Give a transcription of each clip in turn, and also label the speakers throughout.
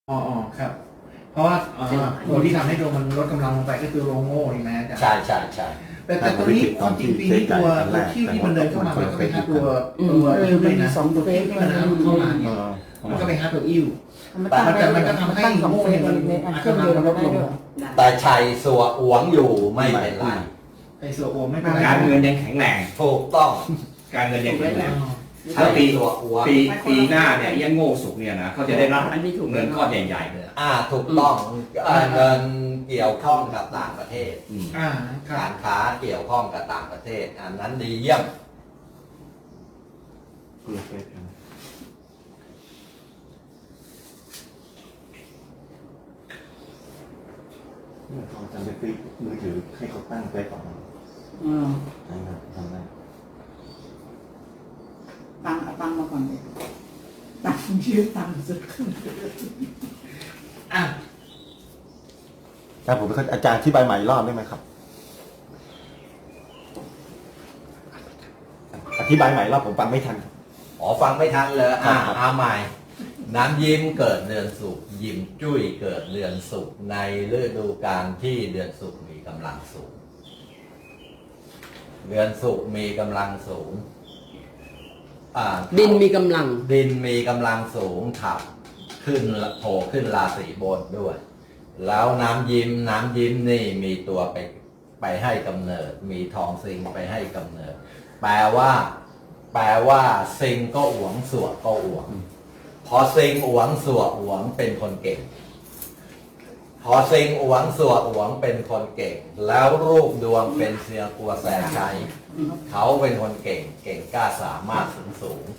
Speaker 1: อ๋อครับเพราะว่าตัวที่ทำให้ดวงมันลดกำลังลงไปก็คือโรงโง่ใช่ไหมอาจารย์
Speaker 2: ใช่ใช่ใช่
Speaker 1: แต่ตัวนี้ความจริงปีนี้ตัวคิ้วที่มันเดินเข้ามามันก็ไปหาตัวอิ้วเลยนะตัวคิ้วที่มันเข้ามาเนี่ยมันก็ไปหาตัวอิ้วแต่มันก็ทำให้โง่เนี่ยมันอาจจะลดลง
Speaker 2: แต่ชัยสัวหวงอยู่ไม่เป็นไร
Speaker 1: ไอ้สัวโอไม่เป็นไร
Speaker 3: การเงินยังแข็งแรง
Speaker 2: ถูกต้อง
Speaker 3: การเงินยังแข็งแรง
Speaker 2: ถ้าปีสัวหวง
Speaker 3: ปีหน้าเนี่ยยังโง่สุกเนี่ยนะเขาจะได้รับเงินก้อนใหญ่ๆเลย
Speaker 2: ถูกต้องเงินเกี่ยวข้องกับต่างประเทศ
Speaker 1: ครั
Speaker 2: กา
Speaker 1: บ
Speaker 2: รค้าเกี่ยวข้องกับต่างประเทศอันนั้นดีเยี่ยม
Speaker 4: เขาจะไปซื้อมือถือให้เขาตั้งไว้ก่อนนะครับทำได้
Speaker 5: ตังมาก่อนเลยตังชื่อตังสุดขึ้น
Speaker 4: แต่ผมเป็นอาจารย์ที่ใบใหม่รอบได้ไหมครับ อธิบายใหม่รอบผมฟังไม่ทัน
Speaker 2: ฟังไม่ทันเลย
Speaker 4: ครับ
Speaker 2: ใหม่น้ำยิ้มเกิดเดือนศุกร์ยิ้มจุ้ยเกิดเดือนศุกร์ในฤดูกาลที่เดือนศุกร์มีกำลังสูงเดือนศุกร์มีกำลังสูง
Speaker 6: ดินมีกำลัง
Speaker 2: ดินมีกำลังสูงขับขึ้นโผล่ขึ้นราศีบนด้วย แล้วน้ำยิ้มนี่มีตัวไปให้กำเนิด มีทองซิงไปให้กำเนิด แปลว่าซิงก็หวงสวดก็หวงพอซิงหวงสวดหวงเป็นคนเก่งพอซิงหวงสวดหวงเป็นคนเก่งแล้วรูปดวงเป็นเสียกัวแสชัยเขาเป็นคนเก่งกล้าสามารถสูง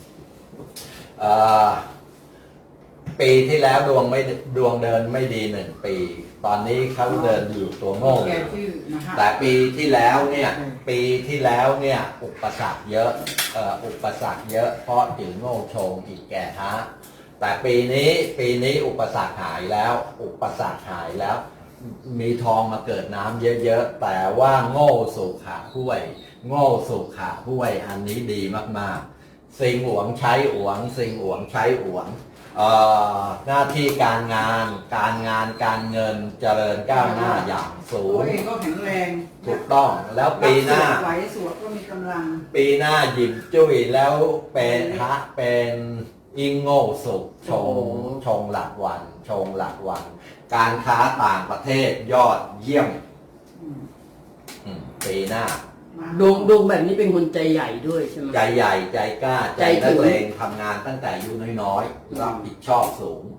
Speaker 2: ปีที่แล้วดวงเดินไม่ดี1 ปี ตอนนี้เขาเดินอยู่ตัวโง่แต่ปีที่แล้วเนี่ยอุปสรรคเยอะเพราะถือโง่โชงอีกแก่ฮะแต่ปีนี้อุปสรรคหายแล้วมีทองมาเกิดน้ำเยอะๆแต่ว่าโง่สุขาห้วยอันนี้ดีมากๆสิงหวงใช้หวงหน้าที่การงานการเงินเจริญก้าวหน้าอย่างสูง
Speaker 5: ตัวเองก็แข็งแรง
Speaker 2: ถูกต้องแล้วปีหน้า
Speaker 5: ไหวสวดก็มีกำลัง
Speaker 2: ปีหน้าหยิบจุ้ยแล้วเป็นอิงโง่สุขชงหลักวันการค้าต่างประเทศยอดเยี่ยมปีหน้า
Speaker 6: ดวงแบบนี้เป็นคนใจใหญ่ด้วยใช่ไหม
Speaker 2: ใจใหญ่ใจกล้าใจ
Speaker 6: ถึ
Speaker 2: นั
Speaker 6: ง
Speaker 2: กเลงทำงานตั้งแต่อายุน้อยๆรับผิดชอบสูง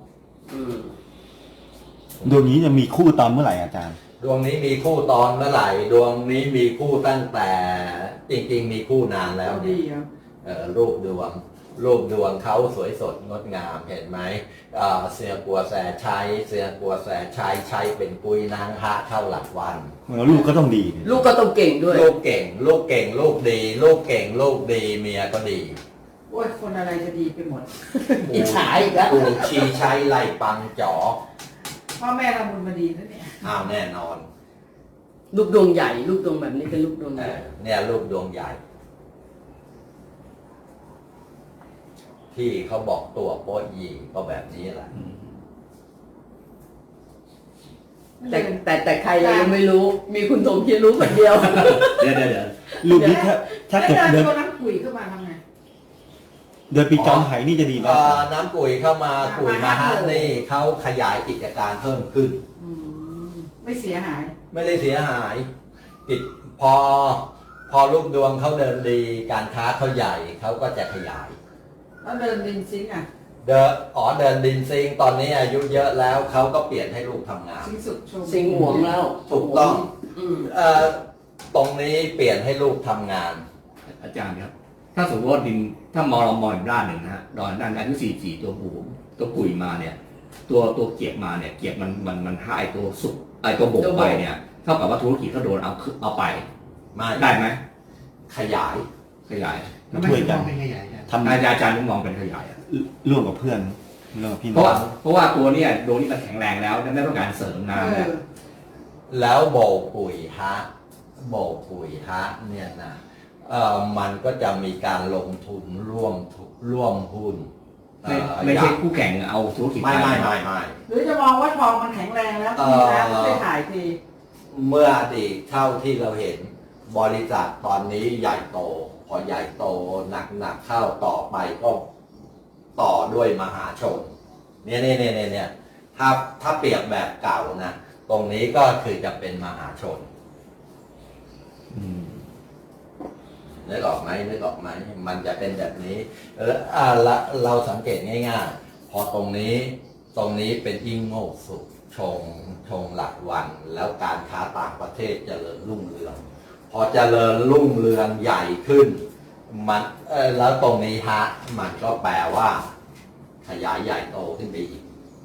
Speaker 4: ดวงนี้จะมีคู่ตอนเมื่อไหร่อาจารย์
Speaker 2: ดวงนี้มีคู่ตอนเมื่อไหร่ดวงนี้มีคู่ตั้งแต่จริงๆมีคู่นานแล้ว
Speaker 5: ดี
Speaker 2: เนี่ย
Speaker 5: ครับ
Speaker 2: รูปดวงเขาสวยสดงดงามเห็นไหมเสียกัวแสใช้เป็นปุยนางฮะเข้าหลักวัน
Speaker 4: ลูกก็ต้องดี
Speaker 6: ลูกก็ต้องเก่งด้วย
Speaker 2: ลูกเก่งลูกดีเมียก็ดี
Speaker 5: โอ้ยคนอะไรจะดีไปหมด
Speaker 6: อิจฉาอีกแล้ว
Speaker 2: ปู่ชีใช้ไล่ปังจ๋อ
Speaker 5: พ่อแม่เราบุญมาดีนะเนี่ย
Speaker 2: แน่นอน
Speaker 6: ลูกดวงใหญ่ลูกดวงแบบนี้เป็นลูกดวงใหญ่
Speaker 2: เนี่ยลูกดวงใหญ่ ที่เขาบอกตัวโป๊ะยีก็แบบนี้แหละ
Speaker 6: แต่ใครเรายังไม่รู้ มีคุณสมคิดรู้คนเดียว
Speaker 3: เดี๋ยว
Speaker 4: ลูกนี้ถ้าเกิด
Speaker 5: เดิ
Speaker 4: เดิ
Speaker 5: น
Speaker 4: น
Speaker 5: ตัวน้ำขุยเข้ามาทำไง
Speaker 4: เดินปีจอมไหนี่จะดีไหม
Speaker 2: น้ำกุยเข้ามากุยมาฮะนี่เขาขยายกิจการเพิ่มขึ้น
Speaker 5: ไม่เสียหาย
Speaker 2: ไม่ได้เสียหายพอลูกดวงเขาเดินดีการค้าเขาใหญ่เขาก็จะขยาย
Speaker 5: แล้วเดินดินซิงค์อ่ะ
Speaker 2: เดินดินซิงตอนนี้อายุเยอะแล้วเขาก็เปลี่ยนให้ลูกทำงาน
Speaker 5: ซิงค์สุดชม
Speaker 6: สิงหวงแล้ว
Speaker 2: ถูกต้องตรงนี้เปลี่ยนให้ลูกทำงาน
Speaker 3: อาจารย์ครับถ้าสมมติว่าดินถ้ามองเรามองอีกด้านหนึ่งนะฮะด้านอายุ44ตัวปุ๋ยมาเนี่ยตัวเกียบมาเนี่ยเกียบมันให้ตัวสุกตัวบกไปเนี่ยเท่ากับว่าธุรกิจก็โดนเอาไปได้ไหมขยาย
Speaker 4: ช่วยกัน
Speaker 1: ไม่ขยายกัน
Speaker 4: ทำ
Speaker 3: อาจารย์มองเป็นขยายอะ
Speaker 4: ร่วมกับเพื่อนร่วมกับพี่
Speaker 3: เพ
Speaker 4: น้
Speaker 3: ราะ
Speaker 4: อง
Speaker 3: ว่าตัวเนี่ยดวงนี้มันแข็งแรงแล้วไม่ต้องการเสริมงานแล้ว
Speaker 2: แล้วโบกปุ๋ยฮะเนี่ยนะมันก็จะมีการลงทุนร่วมหุ้น
Speaker 3: ไม่ใช่คู่แข่งเอาธุรกิจ
Speaker 2: ไม่
Speaker 5: หรือจะมองว่าทองมันแข็งแรงแล้วมีแล้วช่วยถ่ายที
Speaker 2: เมื่ออดีตเท่าที่เราเห็นบริษัทตอนนี้ใหญ่โตพอใหญ่โตหนักเข้าต่อไปก็ต่อด้วยมหาชนเนี่ยถ้าเปรียบแบบเก่านะตรงนี้ก็คือจะเป็นมหาชนนึกออกไหมมันจะเป็นแบบนี้เราสังเกตง่ายๆพอตรงนี้เป็นยิ่งโง่สุดชงหลักวันแล้วการค้าต่างประเทศเจริญรุ่งเรืองพอเจริญรุ่งเรืองใหญ่ขึ้นมันแล้วตรงนี้มันก็แปลว่าขยายใหญ่โตขึ้นไปอีก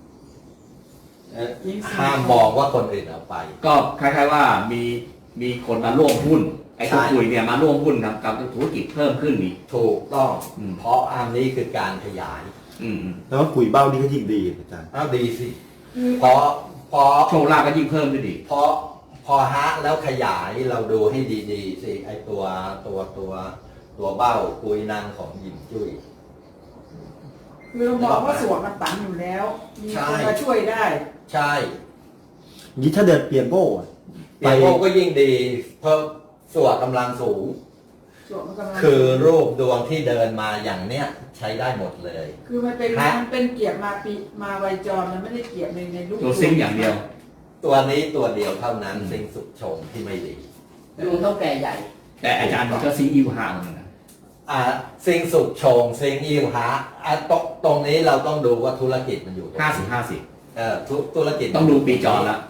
Speaker 2: ห้ามมองว่าคนอื่นเอาไป
Speaker 3: ก็คล้ายๆว่ามีคนมาร่วมหุ้นไอ้ตัวคุยเนี่ยมาร่วมหุ้นทำกับธุรกิจเพิ่มขึ้นอีก
Speaker 2: ถูกต้องเพราะอันนี้คือการขยาย
Speaker 4: แล้วว่ากุยเบ้านี่ก็ยิ่งดีอาจารย์
Speaker 2: ดีสิพอ
Speaker 3: โชว์ลาภก็ยิ่งเพิ่มขึ้นอีก
Speaker 2: พอแล้วขยายเราดูให้ดีๆสิไอตัวเบ้ากุยนางของหยิมจุ้ย
Speaker 5: คือเราบอกว่าส่วนมันตันอยู่แล้วมีคนมาช่วยได้
Speaker 2: ใช่
Speaker 4: นี่ถ้าเดินเปียโก้
Speaker 2: ก็ยิ่งดีเพิ่มส่วนกำลังสูงคือรูปดวงที่เดินมาอย่างเนี้ยใช้ได้หมดเลย
Speaker 5: คือมันเป็นเกียรติมาไวจรมันไม่ได้เกียรติในรูป
Speaker 3: ตัวซิงอย่างเดียว
Speaker 2: ตัวนี้ตัวเดียวเท่านั้นซิงสุดชงที่ไม่ดี
Speaker 6: ดวงเท่าแก่ใหญ่
Speaker 3: แต่อาจารย์มันก็ซิงอิวหาเหมือนกัน
Speaker 2: ซิงสุดชงซิงอิวหาตรงนี้เราต้องดูว่าธุรกิจมันอยู่50-50ธุรกิจ
Speaker 3: ต้องดูปีจรแล้ว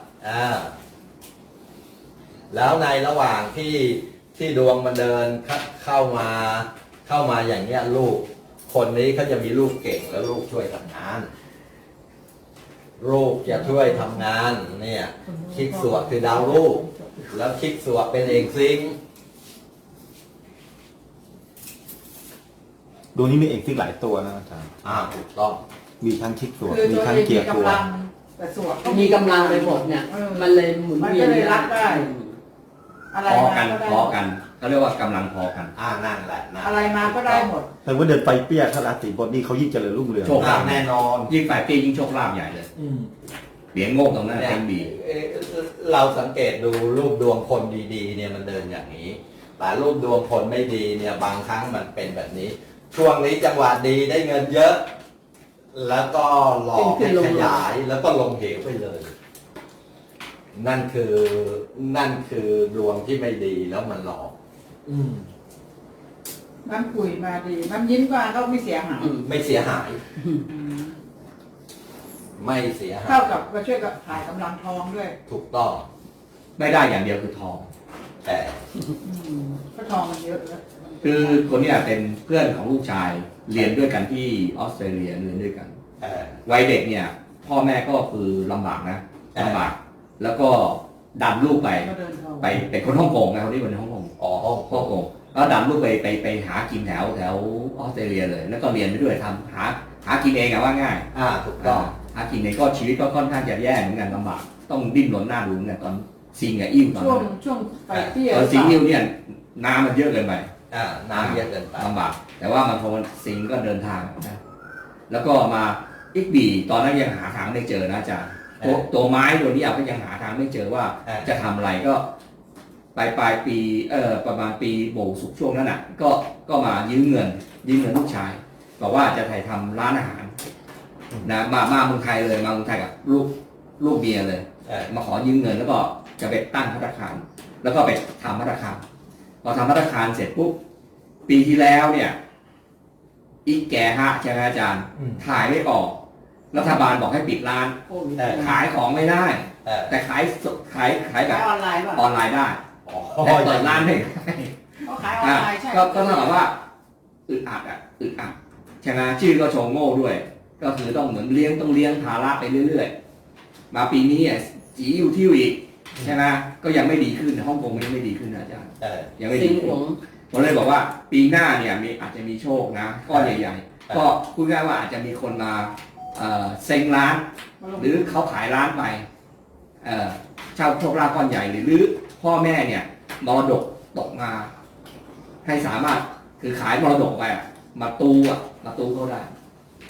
Speaker 2: แล้วในระหว่างที่ดวงมันเดินเข้ามาอย่างเนี้ยลูกคนนี้เขาจะมีลูกเก่งแล้วลูกช่วยทำงานลูกจะช่วยทำงานเนี่ยคิกสวดคือดาวลูกแล้วคิกสวดเป็นเอกซิง
Speaker 4: ดวงนี้มีเอกซิงหลายตัวนะอาจารย์
Speaker 2: ถูกต้อง
Speaker 4: มีทั้งคิกสวดมีทั้งเกียร์ตัว
Speaker 6: มีกำลังไปหมดเนี่ยมันเลยหมุนเวียน
Speaker 5: รับได้
Speaker 3: พอกันเขาเรียกว่ากำลังพอกัน
Speaker 2: นั่นแหละ
Speaker 5: อะไรมาก็ได้หมด
Speaker 4: แต่ว่าเดินไฟเปี้ยถ้าราศีบนนี่เขายิ่งเจริญรุ่งเรือง
Speaker 3: โชคลาภ
Speaker 2: แน่นอน
Speaker 3: ยิ่งไฟเปี้ยยิ่งโชคลาภใหญ่เลยเหรียญโง่ตรงนั้นเต็มดี
Speaker 2: เราสังเกตดูรูปดวงคนดีๆเนี่ยมันเดินอย่างนี้แต่รูปดวงคนไม่ดีเนี่ยบางครั้งมันเป็นแบบนี้ช่วงนี้จังหวะดีได้เงินเยอะแล้วก็หลอกให้ขยายแล้วก็ลงเหวไปเลยนั่นคือดวงที่ไม่ดีแล้วมันหลอก
Speaker 5: น้ำปุ๋ยมาดีน้ำยิ้มมาก็ไม่เสียหาย
Speaker 2: ไม่เสียหายไม่เสียหาย
Speaker 5: เท่ากับมาช่วยกับถ่ายกำลังทองด้วย
Speaker 2: ถูกต้อง
Speaker 3: ไม่ได้อย่างเดียวคือทอง
Speaker 2: แต่
Speaker 5: ก็ทองมันเยอะแล้ว
Speaker 3: คือคนนี้เป็นเพื่อนของลูกชายเรียนด้วยกันที่ออสเตรเลียเรียนด้วยกันวัยเด็กเนี่ยพ่อแม่ก็คือลำบากนะลำบากแล้วก็ดันลูกไปเป็นคนฮ่องกงนะคนนี้เป็นฮ่องกงฮ่องกงแล้วดันลูกไปหากินแถวออสเตรเลียเลยแล้วก็เรียนไปด้วยทำหากินเองอะว่าง่าย
Speaker 2: ถูกต้อง
Speaker 3: หากินเองก็ชีวิตก็ค่อนข้างจะแย่เหมือนกันลำบากต้องดิ้นรนหน้าดูเนี่ยตอนซิงกับอิ่วตอน
Speaker 5: ช่วงไปเที่ยว
Speaker 3: ซิงอิ่วเนี่ยน้ำมันเยอะเกินไป
Speaker 2: น้ำเยอะเกินไป
Speaker 3: ลำบากแต่ว่ามันพอมันซิงก็เดินทางนะแล้วก็มาอีกบีตอนนั้นยังหาทางไม่เจอนะอาจารย์ตัวไม้ตัวนี้ก็ยังหาทางไม่เจอว่าจะทำอะไรก็ปลายปีประมาณปีโบสุกช่วงนั้นน่ะก็มายืมเงินลูกชายบอกว่าจะถ่ายทำร้านอาหารนะมาเมืองไทยเลยมาเมืองไทยกับลูกเมียเลยมาขอยืมเงินแล้วก็จะไปตั้งภัตตาคารแล้วก็ไปทำภัตตาคารพอทำภัตตาคารเสร็จปุ๊บปีที่แล้วเนี่ยอีกแก่ฮะใช่ไหมอาจารย์ถ่ายไม่ออกรัฐบาลบอกให้ปิดร้านขายของไม่ได้แต่ขายแบบออนไลน์ได้แต่เปิดร้านไม่ได้
Speaker 5: ขายออนไลน์ใช่
Speaker 3: ก็เท่ากับว่าอึดอัดใช่ไหมชื่อก็โชงโง่ด้วยก็คือต้องเหมือนเลี้ยงภาระไปเรื่อยๆมาปีนี้จีอยู่ที่อีกใช่ไหมก็ยังไม่ดีขึ้นฮ่องกงยังไม่ดีขึ้นนะอาจารย์ยังไม่ดีขึ้นผมเลยบอกว่าปีหน้าเนี่ยอาจจะมีโชคนะก้อนใหญ่ๆก็พูดง่ายว่าอาจจะมีคนมาเซ็งร้านหรือเขาขายร้านไปเช่าโชคลาภก้อนใหญ่หรือพ่อแม่เนี่ยมรดกตกมาให้สามารถคือขายมรดกไปมาตูเขาได้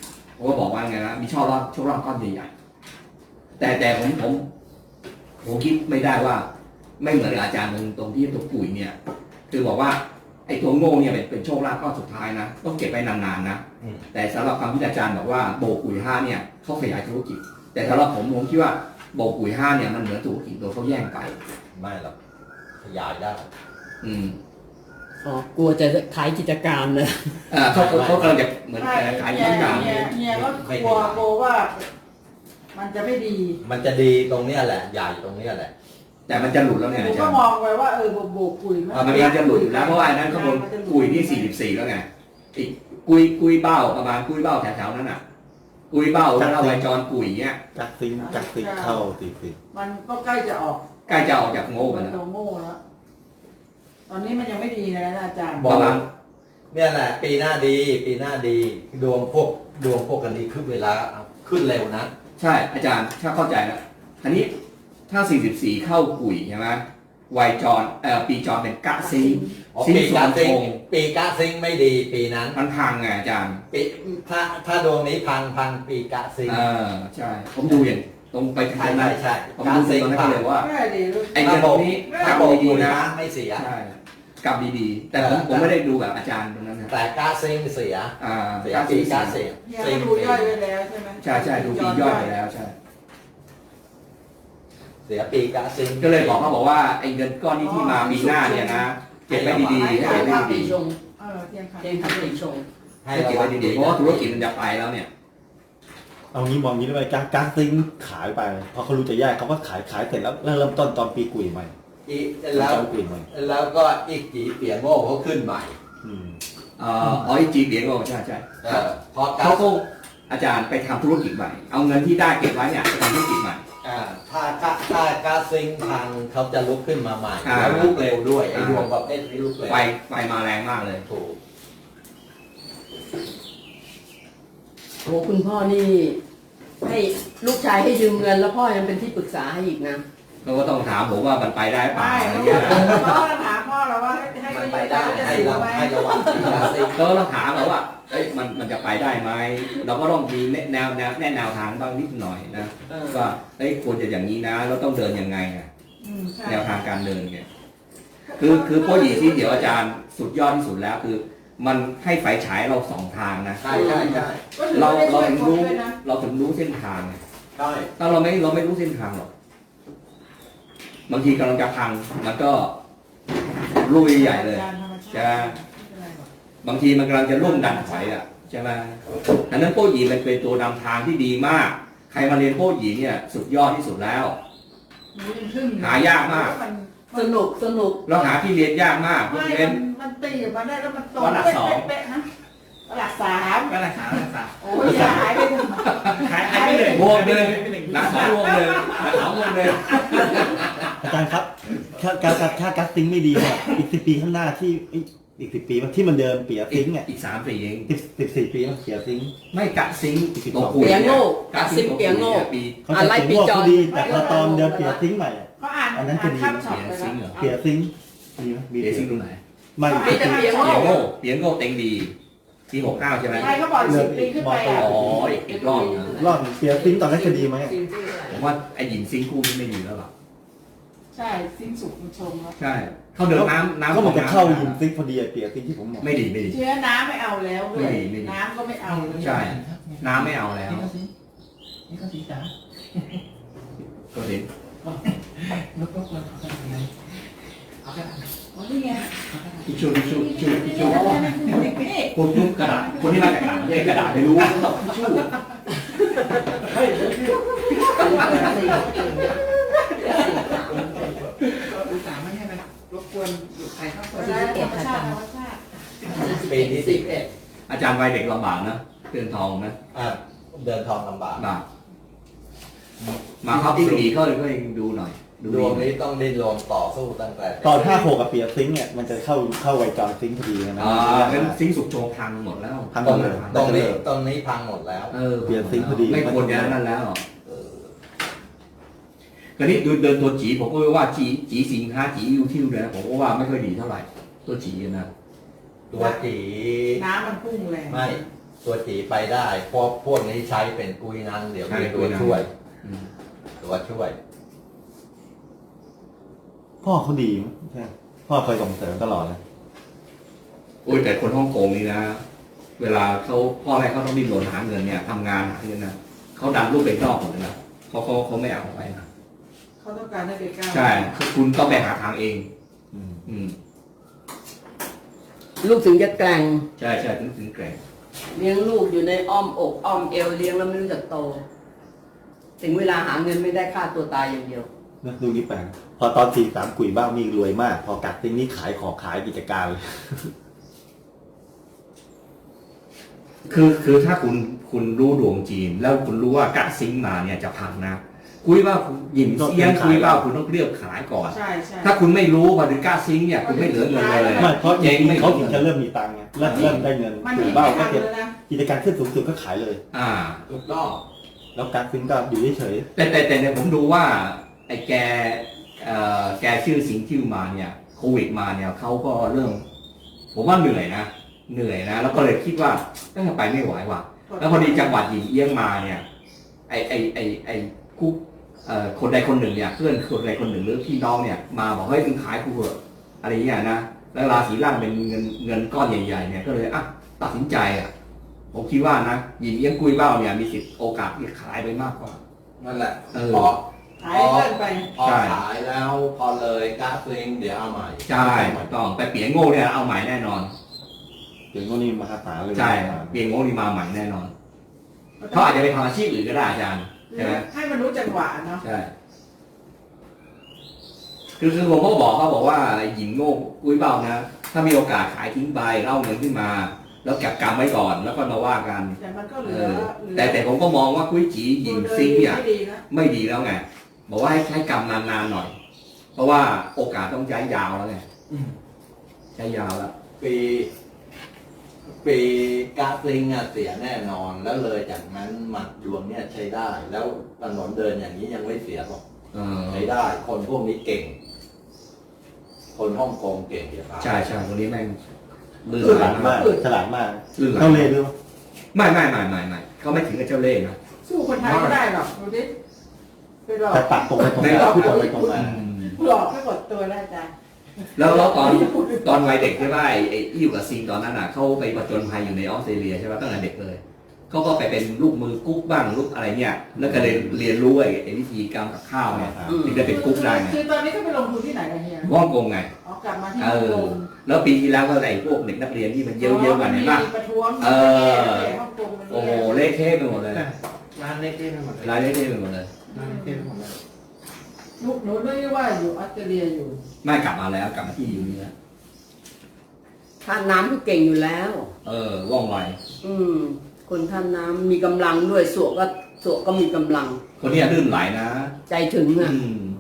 Speaker 3: ผมก็บอกว่าไงนะมีโชคลาภก้อนใหญ่ๆแต่ผมคิดไม่ได้ว่า ไม่เหมือนอาจารย์ตรงที่ตัวปุ๋ยเนี่ย คือบอกว่าไอ้ตัวโง่เนี่ยเป็นโชคลาภก้อนสุดท้ายนะต้องเก็บไปนานๆนะแต่สำหรับคำที่อาจารย์บอกว่าโบปุ๋ย5เนี่ยเขาขยายธุรกิจแต่สำหรับผมคิดว่าโบปุ๋ย5เนี่ยมันเหมือนธุรกิจโดยเขาแย่งไป
Speaker 2: ไม่หรอกขยายได้
Speaker 6: อ๋อกลัวจะขายกิจการนะ
Speaker 3: เขากำลังจะเหมือนขายกิจการ
Speaker 5: เนี่ยก็กลัวว่า มันจะไม่ดี
Speaker 2: มันจะดีตรงเนี้ยแหละใหญ่ตรงเนี้ยแหละ
Speaker 3: แต่มันจะหลุดแล้วไง
Speaker 5: ผม
Speaker 3: อาจา
Speaker 5: ก็
Speaker 3: รย์
Speaker 5: มองไว้ว่าโบกปุ๋ย
Speaker 3: มันจะหลุดอยู่แล้วเพราะว่าอันนั้นข้างบนกุยที่44แล้วไงอีกกุยเบ้าประมาณกุยเบ้าแถวๆนั้นอ่ะกุยเบ้าแล้วไวจรกุยเนี้ย
Speaker 4: กักซิงเข้าตี
Speaker 5: มันก็ใกล้จะออก
Speaker 3: ใกล้จะออกจากโง่ไป
Speaker 5: มัน
Speaker 3: แล้ว
Speaker 5: โดนโง่แล้วตอนนี้มันยังไม่ดีนะอาจารย์
Speaker 3: ประมาณ
Speaker 2: เนี่ยแหละปีหน้าดีดวงพวกกันนี้ขึ้นเวลาขึ้นเร็วนะ
Speaker 3: ใช่อาจารย์ถ้าเข้าใจแล้วอันนี้ถ้า44เข้ากุยใช่ไหมไวจรปีจรเป็นกะซิง
Speaker 2: ปีกาซิงไม่ดีปีนั้น
Speaker 3: มันพังไงอาจารย์
Speaker 2: ปีถ้าดวงนี้พังปีกาซิง
Speaker 3: ใช่ผมดูอย่างตรงไปทางนั้น
Speaker 2: ใช่
Speaker 3: ผมดูตรงนั้นเลยว่า
Speaker 5: ง่ายดีลูก
Speaker 3: ไอ้เงินนี้
Speaker 2: ถ้าก
Speaker 3: ลับ
Speaker 2: ดี
Speaker 3: ดีๆนะ
Speaker 2: ไม่เสีย
Speaker 3: ใช่กลับดีๆแต่ผมไม่ได้ดูแบบอาจารย์ตรงนั้นนะ
Speaker 2: แต่กาซิงเสีย
Speaker 3: ปี
Speaker 2: กาซิง
Speaker 5: เนี่ยดูย่อยไปแล้วใช่ไหม
Speaker 3: ใช่ดูปีย่อยไปแล้วใช่
Speaker 2: เสียปีกาซิง
Speaker 3: ก็เลยบอกเขาบอกว่าไอ้เงินก้อนนี้ที่มาปีหน้าเนี่ยนะเก็บไว้ดีๆให้
Speaker 6: เทีย
Speaker 3: เก็บ
Speaker 6: น
Speaker 3: ไว้
Speaker 6: ขับปี
Speaker 3: ดี
Speaker 6: ชง
Speaker 5: เทียนขัด
Speaker 6: เทียนขับปีชง
Speaker 3: ๆให้เก็บไว้ดีๆเพราะว่าธุรกิจมันจะไปแล้วเนี่ย
Speaker 4: เอางี้มองงี้ได้ไหมกักซิงขายไปพอเขารู้จะแยกเขาก็ขายเสร็จแล้วเริ่มต้นตอนปีกุยใหม่
Speaker 2: แล้วก็อีกจีเปียโง่เขาขึ้นใหม่
Speaker 3: ไอ้จีเบียงก็ใช่
Speaker 2: พอ
Speaker 3: เขาก็อาจารย์ไปทำธุรกิจใหม่เอาเงินที่ได้เก็บไว้เนี่ยไปทำธุรกิจใหม่
Speaker 2: ถ้ากาซิงพังเขาจะลุกขึ้นมาใหม่แล้วลุกเร็วด้วยไอ้ดวงประเภทนี้ลุกเร็ว
Speaker 3: ไฟมาแรงมากเลย
Speaker 2: ถูก
Speaker 6: โอ้คุณพ่อนี่ให้ลูกชายให้ยืมเงินแล้วพ่อยังเป็นที่ปรึกษาให้อีกนะ
Speaker 3: เราก็ต้องถามผมว่ามันไปได้เปล่า
Speaker 5: ไม่
Speaker 3: อะไร
Speaker 5: เขา
Speaker 3: เงี้ย
Speaker 5: ถามพ่อเราว่าให้
Speaker 2: มันไปได้ให้ระวังปีกาซิง
Speaker 3: ก็ต้องถามเราว่ามันจะไปได้ไหมเราก็ต้องมีแนวทางบ้างนิดหน่อยนะว่าควรจะอย่างนี้นะเราต้องเดินยังไงแนวทางการเดินเนี่ยคือโปรยีที่เดี๋ยวอาจารย์สุดยอดที่สุดแล้วคือมันให้ไฟฉายเรา2 ทางนะ
Speaker 2: ใช่
Speaker 3: เราถึงรู้เส้นทาง
Speaker 2: ใช่
Speaker 3: ถ้าเราไม่รู้เส้นทางหรอกบางทีกำลังจะพังมันก็ลุยใหญ่เลยใช่ไหมบางทีมันกำลังจะลุ่มดันถอยอ่ะใช่ไหมอันนั้นโป้หยีมันเป็นตัวนำทางที่ดีมาก ใครมาเรียนโป้หยีเนี่ยสุดยอดที่สุดแล้วหายากมาก
Speaker 6: สนุก
Speaker 3: เราหาที่เรียนยากมาก
Speaker 5: มันตีมาได้แล้วมันตรง
Speaker 3: วันหลัก
Speaker 5: เป๊ะๆนะหลัก3
Speaker 3: ก็ราคา
Speaker 5: โอ้ยหายไปหมด
Speaker 3: หายไปเลยบวกเลยหลัก2 บวกเลยหลัก2 บวกเลย
Speaker 4: อาจารย์ครับถ้ากักซิงไม่ดีเนี่ยอีก10 ปีข้างหน้าที่อีก10 ปีที่มันเดิมเปียซิงเนี่ย
Speaker 3: อีก3 ปีเอง
Speaker 4: 14 ปีมันเปียซิง
Speaker 3: ไม่กะซิง
Speaker 6: เปียโง่กะซิงเปียโง่
Speaker 3: ปี
Speaker 4: เขาจะเปียโง่ดีแต่พอตอนเดิมเปียซิงใหม่
Speaker 5: เขาอ่านข้ามช็อตไปแล้ว
Speaker 4: เปียซิงดีไหม
Speaker 3: เปียซิงตรงไหน
Speaker 4: ไม่
Speaker 6: มีแต่เปียโง่
Speaker 3: เปียโง่เต็งดีปี69ใช่ไหม
Speaker 5: ใช่เขาบอก10 ปีขึ้นไป
Speaker 3: อ๋ออีกรอบนะ
Speaker 4: รอบเปียซิงตอนนั้นจะดีไหม
Speaker 3: ผมว่าไอ้หญิงซิงคู่นี่ไม่ดีแล้วหรอ
Speaker 5: ใช่สิ้นสุดมันชงแล้ว
Speaker 3: ใช่เขาเดินน้ำ
Speaker 4: ก็มันจะเข้ายิมซิงพอดีเปียซิงที่ผมบอก
Speaker 3: ไม่ดี
Speaker 5: เชื้อน้ำไม่เอาแล้วด้วยน้ำก็ไม่เอา
Speaker 3: ใช่น้ำไม่เอาแล้ว
Speaker 1: นี่ก็สีจ๋า
Speaker 3: ก็เห็น
Speaker 1: ลบๆเลยเอากระดาษ
Speaker 5: อ๋อนี่ไง
Speaker 3: ทิชชูพูดกระดาษคนที่มาจากต่างประเทศกระดาษไม่รู้ทิชชู
Speaker 1: อุตส่าห์ไม่ให้มันรบกวนใครเข้าไป
Speaker 5: ธรรมชาติ
Speaker 2: ปีที่11
Speaker 3: อาจารย์วัยเด็กลำบากนะเตือนทองนะ
Speaker 2: เดินทองลำบาก
Speaker 3: บากมาครับสีก็เลยดูหน่อย
Speaker 2: ดวงนี้ต้องดิ้นรนต่อสู้ตั้งแต่
Speaker 4: ตอน56กับเปียซิงเนี่ยมันจะเข้าไวจรซิงพอดีนะ
Speaker 3: เป็นซิงสุกโจพังหมดแล้ว
Speaker 4: พัง
Speaker 2: ตรง
Speaker 4: เลย
Speaker 2: นี้พังหมดแล้ว
Speaker 4: เปลี่ยนซิงค์พอดี
Speaker 3: ไม่ควรจะนั่นแล้วคราวนี้ดูเดินตัวจีผมก็ว่าจีสิงค้าจียูทิวเลยนะผมก็ว่าไม่ค่อยดีเท่าไหร่ตัวจีนะ
Speaker 2: ตัวจี
Speaker 5: น้ำมันพุ่งแรง
Speaker 2: ไม่ตัวจีไปได้เพราะพวกนี้ใช้เป็นกุยนังเดี๋ยวมีตัวช่วย ตัวช่วย
Speaker 4: พ่อเขาดีมั้ยใช่พ่อเคยส่งเสริมตลอดเลย
Speaker 3: โอ้ยแต่คนฮ่องกงนี่นะเวลาเขาพ่อแม่เขาต้องดิ้นรนหาเงินเนี่ยทำงานหาเงินนะเขาดันลูกไปนอกหมดเลยนะเขาไม่เอาไปนะ
Speaker 5: เขาต้องการให้ไปก้าว
Speaker 3: ใช่คุณต้องไปหาทางเอง
Speaker 6: ลูกถึงจะแกร่ง
Speaker 3: ใช่ถึงแกร่ง
Speaker 6: เลี้ยงลูกอยู่ในอ้อมอกอ้อมเอวเลี้ยงแล้วไม่รู้จักโต ถึงเวลาหาเงินไม่ได้ฆ่าตัวตายอย่างเดียว
Speaker 4: นะดูนี่แปลกพอตอน43กุยบ้างนี่รวยมาก พอกัดติ้งนี่ขายของขายกิจการเลย
Speaker 3: คือถ้าคุณรู้ดวงจีน แล้วคุณรู้ว่ากัดซิงมาเนี่ยจะพังนะคุยว่าหยินเซียนคุยว่าคุณต้องเรียบขายก่อน
Speaker 5: ใช่ใช่
Speaker 3: ถ้าคุณไม่รู้ว่าถึงกัดซิงเนี่ยคุณไม่เหลือเงินเลย
Speaker 4: ไม่เพราะ
Speaker 3: เจ๊งไม่
Speaker 4: เขาถึงจะเริ่มมีตังค์ไงเริ่มได้เงิน
Speaker 5: มัน
Speaker 4: กุ
Speaker 5: มี
Speaker 4: ย
Speaker 5: ไม่
Speaker 4: บ้างก็
Speaker 5: ทัน
Speaker 4: เก็บ
Speaker 5: เลยนะ
Speaker 4: กิจการขึ้นสูงสุดก็ขายเลย
Speaker 2: ถูกต้อง
Speaker 4: แล้วการซิงก็อยู่เฉย
Speaker 3: แต่เนี่ยผมดูว่าไอ้แกชื่อสิงชื่อมาเนี่ยโควิดมาเนี่ยเขาก็เริ่มผมว่าเหนื่อยนะแล้วก็เลยคิดว่าน่าจะไปไม่ไหวว่ะแล้วพอดีจังหวัดหยินเอี้ยงมาเนี่ยไอ้กุ๊กคนใดคนหนึ่งเนี่ยเพื่อนคนใดคนหนึ่งหรือพี่น้องเนี่ยมาบอกเฮ้ยมึงขายกูเถอะอะไรอย่างเงี้ยนะแล้วราศีล่างเป็นเงินก้อนใหญ่ๆเนี่ยก็เลยตัดสินใจผมคิดว่านะหยินเอี้ยงกุยเบ้าเนี่ยมีสิทธิ์โอกาสที่ขายไปมากกว่า
Speaker 2: นั่นแหละ
Speaker 3: พอ
Speaker 5: หายเงินไป
Speaker 2: พอขายแล้วพอเลยกราฟลิงเดี๋ยวเอาใหม่
Speaker 3: ใช่ถูกต้องแต่เปียโง่เนี่ยเอาใหม่แน่นอน
Speaker 4: ๆถึงก็นี่มหาศาลเลย
Speaker 3: ใช่เปียโง่นี่มาใหม่แน่นอนเขาอาจจะไปทำอาชีพอื่นก็ได้อาจารย์ใช่ไหม
Speaker 5: ให้มันรู้จังหวะเนาะ
Speaker 3: ใช่คือผมก็บอกเขาบอกว่าหญิงโง่กุ้ยเบ้านะถ้ามีโอกาสขายทิ้งไปเล่าเงินขึ้นมา แล้วเก็บกรรมไว้ก่อนแล้วก็มาว่ากัน
Speaker 5: แต่มันก็เหลือ
Speaker 3: แต่ผมก็มองว่ากุ้ยจีหญิงซิงเนี่ย
Speaker 5: ไม่ดีนะ
Speaker 3: ไม่ดีแล้วไงบอกว่าให้ใช้กรรมนานๆหน่อย เพราะว่าโอกาสต้องใช้ยาวแล้วไงใช้ยาวแล้ว
Speaker 2: ปีกราฟลิงเสียแน่นอนแล้วเลยจากนั้นหมัดดวงเนี่ยใช้ได้ แล้วถนนเดินอย่างนี้ยังไม่เสียหรอกใช้ได้ คนพวกนี้เก่ง คนฮ่องกงเก่งอย่าพา
Speaker 3: ใช่คนนี้แม่งลื่น
Speaker 4: ฉ
Speaker 3: ไหล
Speaker 4: ลาดมากฉลาดมาก
Speaker 3: ลื่นไหล
Speaker 4: เข้าเลยด้วย
Speaker 3: ไม่เขาไม่ถึงกับเจ้าเล่ห์นะ
Speaker 5: สู้คนไทยไม่ได้หรอกดูดิไปหลอก
Speaker 4: แต่ตัดตรงไปตรงมาพูดตรงไปตรงมา
Speaker 5: หลอกให้หมดตัวได้จ้ะ
Speaker 3: แล้วตอนวัยเด็กใช่ไหมไอ้อยู่กับซิงตอนนั้นเขาไปผจญภัยอยู่ในออสเตรเลียใช่ไหมตั้งแต่เด็กเลยเขาก็ไปเป็นลูกมือกุ๊กบ้างลูกอะไรเนี่ยแล้วก็เลยเรียนรู้ไอ้วิธีการกับข้าวเนี่ยถึงจะเป็นกุ๊กได้ไง
Speaker 5: คือตอนนี้ก็ไปลงทุนที่ไหนกันเฮีย
Speaker 3: ฮ่องกงไง
Speaker 5: อ๋อกลับมาที่ฮ่องกง
Speaker 3: แล้วปีที่แล้วก็ไอ้พวกเด็กนักเรียนที่มันเยอะๆกันเนี่ยนะ
Speaker 5: มีประท้วง ฮ่องกงมัน
Speaker 3: โอ้โหเละเทะไปหมดเลย
Speaker 1: ร้านเล็กๆไปหมดเลย
Speaker 3: รายเละเทะไปหมดเลย
Speaker 1: ร้านเล็กๆไปหมดเลย
Speaker 5: ลูกหนูไม่ว่าอยู่ออสเตรเลียอยู่
Speaker 3: ไม่กลับมาแล้วกลับมาที่อยู่นี่แล้ว
Speaker 6: ท่าน้ำก็เก่งอยู่แล้ว
Speaker 3: ว่องไว
Speaker 6: คนท่าน้ำมีกำลังด้วยสวก็มีกำลัง
Speaker 3: คนนี้ลื่นไหลนะ
Speaker 6: ใจถึงอ่ะ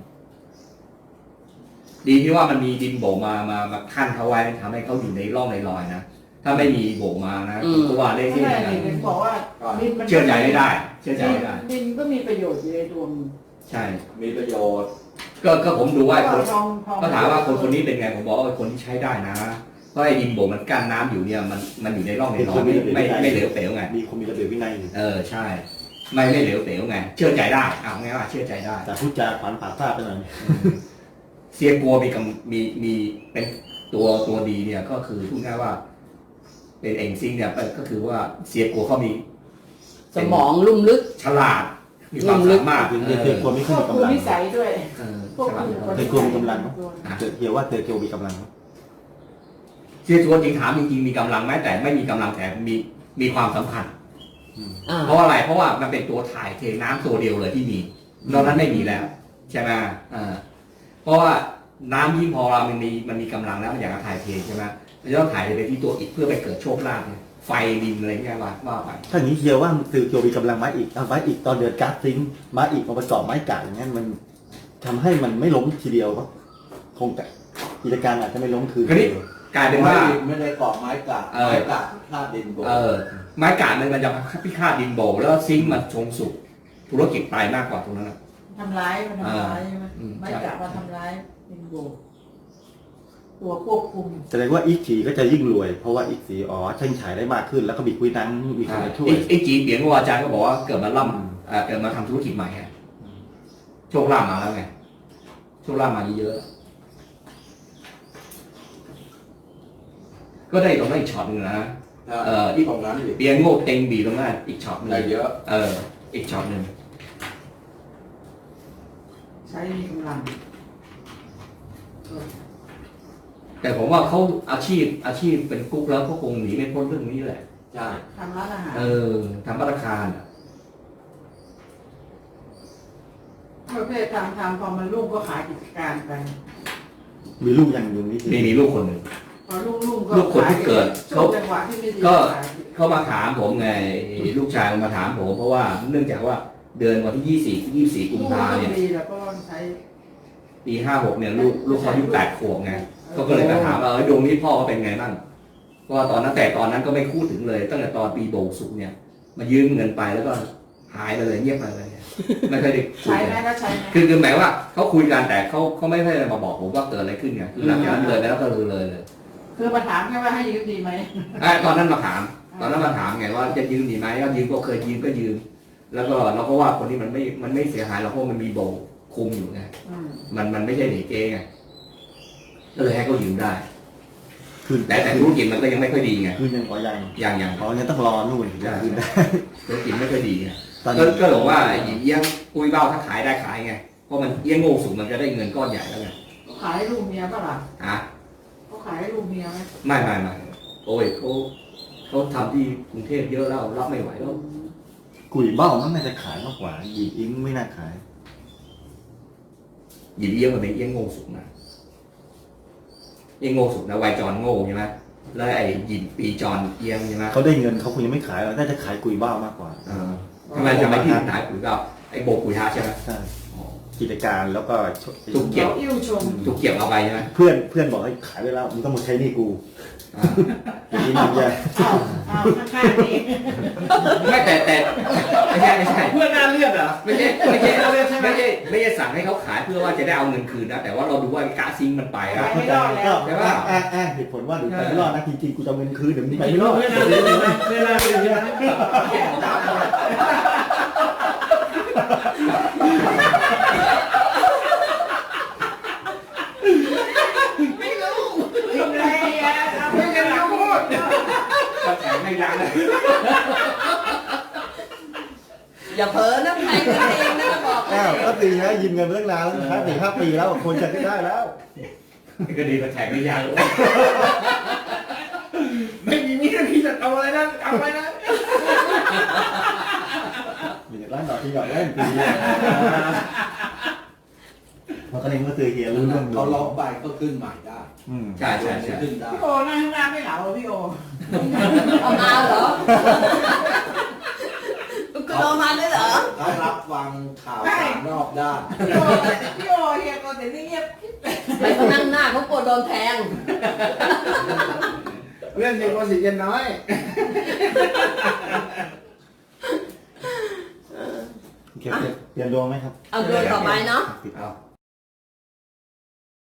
Speaker 3: ดีที่ว่ามันมีดินโบกมาขั้นเขาไว้ทำให้เขาอยู่ในร่องในรอยนะถ้าไม่มีโบกมานะผมก็ว่าเละ
Speaker 5: ไม่
Speaker 3: เทะ
Speaker 5: ได้
Speaker 3: นะ
Speaker 5: เห็นบอกว่าดินมัน
Speaker 3: เชื่อใจไม่ได้เชื่อใจไม่ได้
Speaker 5: ดินก็มีประโยชน์อยู่ในตัวมัน
Speaker 3: ใช่
Speaker 2: มีประโยชน์
Speaker 3: ก็ผมดูว่าคน
Speaker 5: ทอง
Speaker 3: ก็ถามว่าคนนี้เป็นไงผมบอกว่าคนที่ใช้ได้นะเพราะไอ้ดินโบกมันกั้นน้ำอยู่เนี่ยมันอยู่ในร่องในรอยไม่เหลวเป๋วไง
Speaker 4: มีคนมีระเบียบวินัยอยู่
Speaker 3: ใช่ ไม่เหลวเป๋วไงเชื่อใจได้เอาไงว่าเชื่อใจได้
Speaker 4: แต่พูดจาขวัญผ่าซาไปหน่อย
Speaker 3: เซียกัวมีเป็นตัวดีเนี่ยก็คือพูดง่ายว่า เป็นเองซิงเนี่ยก็คือว่าเซียกัวเขามี
Speaker 6: สมองลุ่มลึก
Speaker 3: ฉลาดมีความสามารถ
Speaker 4: คือเธอควรไม่
Speaker 5: ค
Speaker 4: ขึ้น
Speaker 5: วบ
Speaker 4: มี
Speaker 5: คุม
Speaker 4: กำลัง
Speaker 5: นิสัยด้วย
Speaker 3: ฉลาด
Speaker 4: เธอควรมีกำลังเฮียว่าเธอเกียวมีกำลัง
Speaker 3: เซียกัวจริงถามจริงมีกำลังไหมแต่ไม่มีกำลังแต่มีความสำคัญเพราะอะไรเพราะว่ามันเป็นตัวถ่ายเทน้ำตัวเดียวเลยที่มีนอกนั้นไม่มีแล้วใช่ไหมเพราะว่าน้ำยิ่งพอมันมีกำลังแล้วมันอยากจะถ่ายเทใช่ไหมมันจะต้องถ่ายไปที่ตัวอีกเพื่อไปเกิดโชคลาภไฟดินอะไรเงี้ยว่าไป
Speaker 4: ถ้าอย่างนี้เฮียว่าเธอเกียวมีกำลังไม้อีกเอาไม้อีกตอนเดือนการ์ดซิงไม้อีกมาประกอบไม้กาดอย่างนั้นมันทำให้มันไม่ล้มทีเดียวก็คงแต่กิจการอาจจะไม่ล้มคืน
Speaker 3: กลายเป็นว่า
Speaker 2: ไม่ได้เกาะไม้กัดไม้กัดท่าดินโบก
Speaker 3: ไม้กาดมันจะพิฆาตดินโบแล้วซิงค์มันชงสุกธุรกิจไปมากกว่าตรงนั้น
Speaker 5: ทำร้ายมันทำร้ายใช่ไหมไม่กะว่าทำร้ายดินโบตัวควบคุม
Speaker 4: แสดงว่าอีกฉีก็จะยิ่งรวย เพราะว่าอีกสีอ๋อเช่งฉายได้มากขึ้น แล้วก็มีคุยนังมีคนมาช่วย
Speaker 3: ไอ้จีเปียงว่าอาจารย์ก็บอกว่าเกิดมาล่ำเกิดมาทำธุรกิจใหม่ฮะโชคลาภมาแล้วไงโชคลาภมาเยอะๆก็ได้ตรงนั้นอีกช็อตนึงนะที่
Speaker 2: ตรงนั้นอีก
Speaker 3: เปียงโง่เต็งบีตรงนั้นอีกช็อตนึง
Speaker 2: ได้เยอะ
Speaker 3: อีกช็อตนึง
Speaker 5: ใช้มีกำลัง
Speaker 3: แต่ผมว่าเขาอาชีพเป็นกุ๊กแล้วเขาคงหนีไม่พ้นเรื่องนี้แหละ
Speaker 2: ใช่
Speaker 5: ทำร้านอาหาร
Speaker 3: ทำพัตตาคาร
Speaker 5: ประเภททำพอมันรุ่งก็ขายกิจการไป
Speaker 4: มีลูกยังอยู่นี่
Speaker 3: มีลูกคนหนึ่ง
Speaker 5: พอรุ่งก็
Speaker 3: ลูกคนที่เกิด
Speaker 5: ช่วงจังหวะที่ไม่ดี
Speaker 3: ก็
Speaker 5: ขาย
Speaker 3: เขามาถามผมไงลูกชายมาถามผมเพราะว่าเนื่องจากว่าเดือนวันที่24กุม
Speaker 5: ลูก
Speaker 3: ภา
Speaker 5: ก็
Speaker 3: เนี่ย
Speaker 5: ดีแล้วก็ใช้
Speaker 3: ปี56เนี่ยลูกเขาอายุ8 ขวบไงก็เลยมาถามว่าดวงนี้พ่อเขาเป็นไงบ้างเพราะว่าตอนนั้นก็ไม่พูดถึงเลย ตั้งแต่ตอนปีโบกสุกเนี่ยมายืมเงินไปแล้วก็หายไปเลยเงียบไปเลยไม่เคยได้คุย
Speaker 5: ใช้ไหม
Speaker 3: กัน
Speaker 5: ก็ใช้ไหม
Speaker 3: คือหมายว่าเขาคุยกันแต่เขาไม่ได้มาบอกผมว่าเกิดอะไรขึ้นไงคือหลังจากนั้นเลยแล้วก็เลย
Speaker 5: คือมาถามแค่ว่าให้ยืมดีไหม
Speaker 3: ตอนนั้นมาถามไงว่าจะยืมดีไหมก็ยืมก็เคยยืมก็ยืม แล้วก็เราก็ว่าคนนี้มันไม่เสียหายเราเพราะมันมีโบคุมอยู่ไง มันไม่ใช่เด็กเองไงก็เลยให้เขายืมได้
Speaker 4: คืน
Speaker 3: แต่ธุรกิจมันก็ยังไม่ค่อยดีไง
Speaker 4: คืนยังอ๋อยัง
Speaker 3: อย่าง
Speaker 4: อ๋อยังต้องรอนู่นถึงจะคืนได้
Speaker 3: ธุรกิจไม่ค่อยดีไง
Speaker 4: ตอนนี้
Speaker 3: ก็บอกว่าหยิบเอี้ยงปุ้ยเบ้าถ้าขายได้ขายไงเพราะมันเอี้ยงโง่สูงมันจะได้เงินก้อนใหญ่แล้วไง
Speaker 5: เขาขายให้ลูกเมียป่ะล่ะ
Speaker 3: อ่ะ
Speaker 5: เขาขายให้ลูกเมียไหม
Speaker 3: ไม่โอ้ยเขาทำที่กรุงเทพเยอะแล้วรับไม่ไหวแล้ว
Speaker 4: กุยเบ้ามันน่าจะขายมากกว่าหยิบอิงไม่น่าขาย
Speaker 3: หยิบเอี้ยงมันเป็นเอี้ยงโง่สูงนะเอี้ยงโง่สูงนะวัยจรโง่ใช่ไหมแล้วไอ้หยิบปีจรเอี้ยงใช่ไหม
Speaker 4: เขาได้เงินเขาคงยังไม่ขายหรอกน่าจะขายกุยเบ้ามากกว่า
Speaker 3: ทำไมจะไม่ที่ขายปุ๋ยเบ้าไอ้โบกปุ๋ยฮาใช่ไหม
Speaker 4: ใช่กิจการแล้วก็
Speaker 3: ทุกเกี่ยว
Speaker 5: เขาอิ่วชม
Speaker 3: ถูกเกี่ยวเอาไปใช่ไหม
Speaker 4: เพื่อนบอกให้ขายไปแล้วมึงต้องมาใช้หนี่กูอย่างนี้มันจะ
Speaker 5: เอาข้างๆนี่
Speaker 3: ไม่แต่ไม่ใช่
Speaker 1: เพื่อนหน้าเลือดเหรอ
Speaker 3: ไม่ใช่สั่งให้เขาขายเพื่อว่าจะได้เอาเงินคืนนะแต่ว่าเราดูว่ากะซิงมันไป
Speaker 5: ไป
Speaker 3: อะ
Speaker 5: ไม่รอดแล้ว
Speaker 3: ใช่ปะ
Speaker 4: อ้างเหตุผลว่าดูไปไม่รอดนะจริงๆกูจะเอาเงินคืนเดี๋ยวมึงไปไม่รอด
Speaker 1: เพื่อนหน้าเลือดนะเพื่อนหน้าเลือดนะ
Speaker 5: ไม่รู้อะไรอ่ะเอาไม่กันแล้วพูด
Speaker 3: ก็แข็งไม่ยั้งเลย
Speaker 6: อย่าเผลอนะใครกันเองนะจะบอก
Speaker 4: อ้าวก็ตีนะยืมเงินมาตั้งนานแล้วนะ4-5 ปีแล้วคนจะได้แล้ว
Speaker 3: ก็ดีก็แข็งไม่ยั้ง
Speaker 1: ไม่มีมีดพี่จะเอาอะไรนะเอาไปนะ
Speaker 4: มีร้านดอกที่หยอดเล่นปีมันก็เลยเมื่อซื้อเฮียรู้เรื่อง
Speaker 2: เขาล็อกไปก็ขึ้นใหม่ได้
Speaker 3: ใช่
Speaker 2: ขึ้นได้
Speaker 5: พี่โอนั่งข้างหน้าไม่เหลาเหรอพี่โอ
Speaker 6: เอามาเหรอคุณเอามาด้วยเหรอ
Speaker 2: เขารับฟังข่าวสารนอกได้
Speaker 5: พี่โอเฮียก็แต่นี่เงียบ
Speaker 6: ไปเขานั่งหน้าเขากลัวโดนแทง
Speaker 1: เรื่องเย็นวันสิเย็นน้อย
Speaker 4: เปลี่ยนดวงไหมครับ
Speaker 6: เอาเดินต่อไปเนาะ
Speaker 3: เอา